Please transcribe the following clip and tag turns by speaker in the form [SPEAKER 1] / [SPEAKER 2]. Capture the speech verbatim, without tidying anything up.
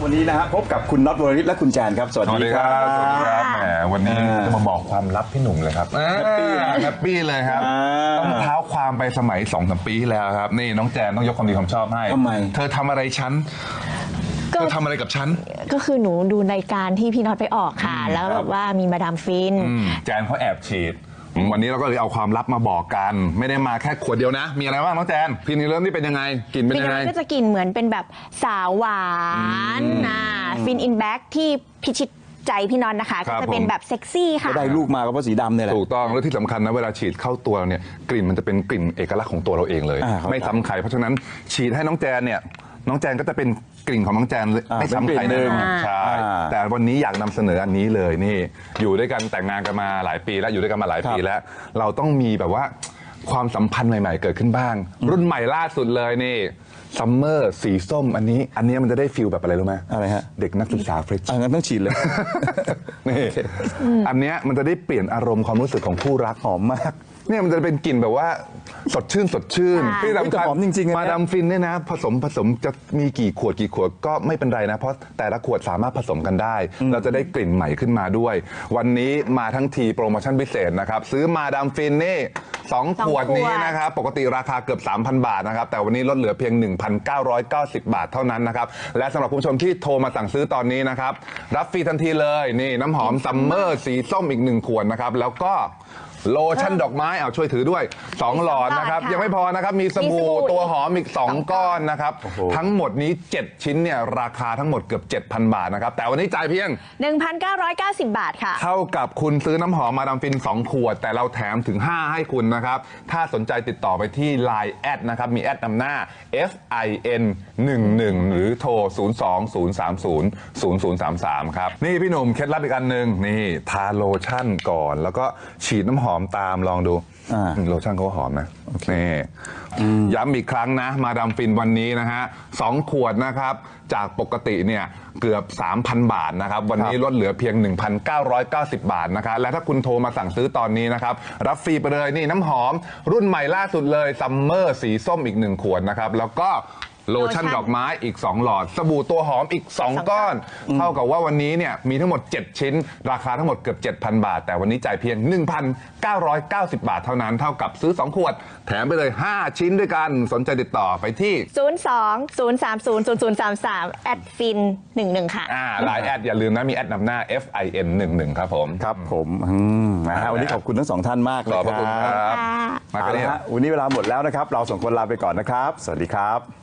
[SPEAKER 1] วันนี้นะฮะพบกับคุณน็อตวรริศและคุณแจนครับสวัสดีครับ
[SPEAKER 2] สวัสดีครับแหมวันนี้จะมาบอกความลับพี่หนุ่มเลยครับแฮปปี้แฮปปี้เลยครับต้องเท้าความไปสมัยสองสามปีที่แล้วครับนี่น้องแจนต้องยกความดีความชอบให้
[SPEAKER 1] ทำไม
[SPEAKER 2] เธอทำอะไรฉันเธอทำอะไรกับฉัน
[SPEAKER 3] ก็คือหนูดูรายการที่พี่น็อตไปออกค่ะแล้วแบบว่ามีมาดามฟิน
[SPEAKER 2] แจนเขาแอบฉีดวันนี้เราก็เลยเอาความลับมาบอกกันไม่ได้มาแค่ขวดเดียวนะมีอะไรบ้างน้องแจนฟินนี่เริ่มนี่เป็นยังไงกลิ่นเป็นยังไง
[SPEAKER 3] ก็จะกลิ่นเหมือนเป็นแบบสาวหวานนะฟินอินแบ็กที่พิชิตใจพี่น็อตนะคะก็จะเป็นแบบเซ็กซี่ค่ะ
[SPEAKER 1] ได้ลูกมาก็เพราะสีดำเนี่ยแหละ
[SPEAKER 2] ถูกต้องแล้วที่สำคัญนะเวลาฉีดเข้าตัวเราเนี่ยกลิ่นมันจะเป็นกลิ่นเอกลักษณ์ของตัวเราเองเลยไม่ซ้ำใครเพราะฉะนั้นฉีดให้น้องแจนเนี่ยน้องแจนก็จะเป็นกลิ่นของน้องแจนไม่ซ้ำใครแน่นอนใช่แต่วันนี้อยากนำเสนออันนี้เลยนี่อยู่ด้วยกันแต่งงานกันมาหลายปีแล้วอยู่ด้วยกันมาหลายปีแล้วเราต้องมีแบบว่าความสัมพันธ์ใหม่ๆเกิดขึ้นบ้างรุ่นใหม่ล่าสุดเลยนี่ซัมเมอร์สีส้มอันนี้อันนี้มันจะได้ฟิลแบบอะไรรู้ไหม
[SPEAKER 1] อะไรฮะ
[SPEAKER 2] เด็กนักศึกษาเฟรช
[SPEAKER 1] งั้นต้องฉีดเลย
[SPEAKER 2] นี่อันนี้มันจะได้เปลี่ยนอารมณ์ความรู้สึกของคู่รักหอมมากเนี่ยมันจะเป็นกลิ่นแบบว่าสดชื่นสดชื่น
[SPEAKER 1] ที่สำคัญหอมจริงๆ
[SPEAKER 2] มาดามฟินเนี่ยนะผสมผสมจะมีกี่ขวดกี่ขวดก็ไม่เป็นไรนะเพราะแต่ละขวดสามารถผสมกันได้เราจะได้กลิ่นใหม่ขึ้นมาด้วยวันนี้มาทั้งทีโปรโมชั่นพิเศษนะครับซื้อมาดามฟินนี่สองขวดนี้นะครับปกติราคาเกือบ สามพัน บาทนะครับแต่วันนี้ลดเหลือเพียง หนึ่งพันเก้าร้อยเก้าสิบ บาทเท่านั้นนะครับและสำหรับคุณผู้ชมที่โทรมาสั่งซื้อตอนนี้นะครับรับฟรีทันทีเลยนี่น้ำหอมซัมเมอร์สีส้มอีกหนึ่งขวดนะครับแล้วก็โลชั่นดอกไม้เอาช่วยถือด้วยสองหลอดนะครับยังไม่พอนะครับมีสบู่ตัวหอมอีกสองก้อนนะครับทั้งหมดนี้เจ็ดชิ้นเนี่ยราคาทั้งหมดเกือบ เจ็ดพัน บาทนะครับแต่วันนี้จ่ายเพียง
[SPEAKER 3] หนึ่งพันเก้าร้อยเก้าสิบ บาทค่ะ
[SPEAKER 2] เท่ากับคุณซื้อน้ำหอมมาดามฟินสองขวดแต่เราแถมถึงห้าให้คุณนะครับถ้าสนใจติดต่อไปที่ ไลน์ แอดนะครับมีแอดนำหน้า เอฟ ไอ เอ็น หนึ่งหนึ่ง หรือโทร ศูนย์ สอง ศูนย์ สาม ศูนย์ ศูนย์ ศูนย์ สาม สาม ครับนี่พี่หนุ่มเคล็ดลับอีกอันหนึ่งนี่ทาโลชั่นก่อนแล้วก็ฉีดน้ำหอมตามลองดูโลชั่นเขาหอมนะนี่ย้ำอีกครั้งนะมาดามฟินวันนี้นะฮะสองขวดนะครับจากปกติเนี่ยเกือบ สามพัน บาทนะครับวันนี้ลดเหลือเพียง หนึ่งพันเก้าร้อยเก้าสิบ บาทนะครับและถ้าคุณโทรมาสั่งซื้อตอนนี้นะครับรับฟรีไปเลยนี่น้ำหอมรุ่นใหม่ล่าสุดเลยซัมเมอร์สีส้มอีกหนึ่งขวดนะครับแล้วก็โลชั่นดอกไม้อีกสองหลอดสบู่ตัวหอมอีกสองก้อนเท่ากับว่าวันนี้เนี่ยมีทั้งหมดเจ็ดชิ้นราคาทั้งหมดเกือบ เจ็ดพัน บาทแต่วันนี้จ่ายเพียง หนึ่งพันเก้าร้อยเก้าสิบ บาทเท่านั้นเท่ากับซื้อสองขวดแถมไปเลยห้าชิ้นด้วยกันสนใจติดต่อไปที่
[SPEAKER 3] ศูนย์ สอง ศูนย์ สาม ศูนย์ ศูนย์ ศูนย์ สาม สามแอดฟินหนึ่งหนึ่งค่ะ
[SPEAKER 2] อ่าไลน์แอดอย่าลืมนะมีแอดนำหน้า เอฟ ไอ เอ็น หนึ่งหนึ่งครับผม
[SPEAKER 1] ครับผมนะฮะวันนี้ขอบคุณทั้งสองท่านมากเลย
[SPEAKER 2] ขอบคุณครับ
[SPEAKER 1] มากันเลยฮะวันนี้เวลาหมดแล้วนะครับเราสองคนลาไปก่อนนะครับสวัสดีครับ